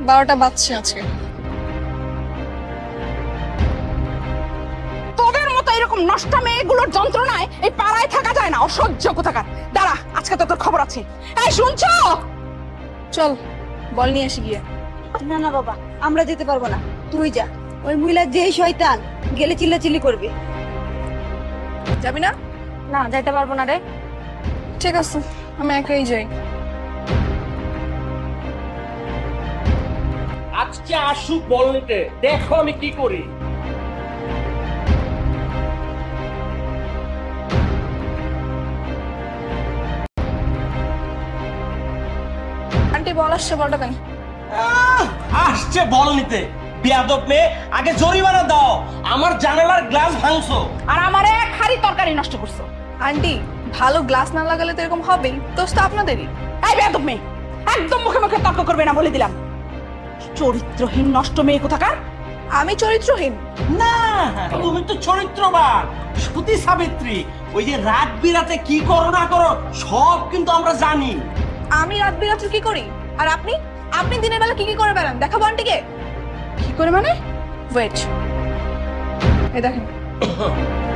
12টা বাজছে আজকে। তোদের মতো এরকম নষ্ট মেয়েগুলোর যন্ত্রণায় এই পাড়ায় থাকা যায় না, অসহ্য কোথাকার। দাঁড়া, আজকে তো তোর খবর আছে। এই শুনছো? চল বল নিয়ে আসি গিয়ে। না না বাবা, আমরা যেতে পারবো না, তুই যা। ওই মহিলা যেই শয়তান, গেলে চিল্লাচিল্লি করবে। যাবি না? না, যাইতে পারবো না রে। ঠিক আছে, আমি একাই যাই। আজকে আসুক বল নিতে, দেখো আমি কি করি। আন্টি বল আসছে, বলটা দেন। আসছে বল নিতে। বেয়াদব মেয়ে, আগে জরিমানা দাও। আমার জানালার গ্লাস ভাঙছো। আর আমার এক হাড়ি তরকারি নষ্ট করছো। আন্টি ভালো গ্লাস না লাগালে তো এরকম হবেই, দোষ তো আপনাদেরই। এই বেয়াদব মেয়ে, একদম মুখে মুখে তর্ক করবে না বলে দিলাম। চরিত্রহীন নষ্ট মেয়ে কোথাকার। আমি চরিত্রহীন? না, তুমি তো চরিত্রবান, সতী সাবিত্রী। ওই যে রাত বিরাতে কি করো না করো সব কিন্তু আমরা জানি। আমি রাত বিরাত্রি কি করি? আর আপনি আপনি দিনের বেলা কি কি করে বেড়ান দেখাবো আন্টিকে? কি করে মানে? ওয়েট, এই দেখেন।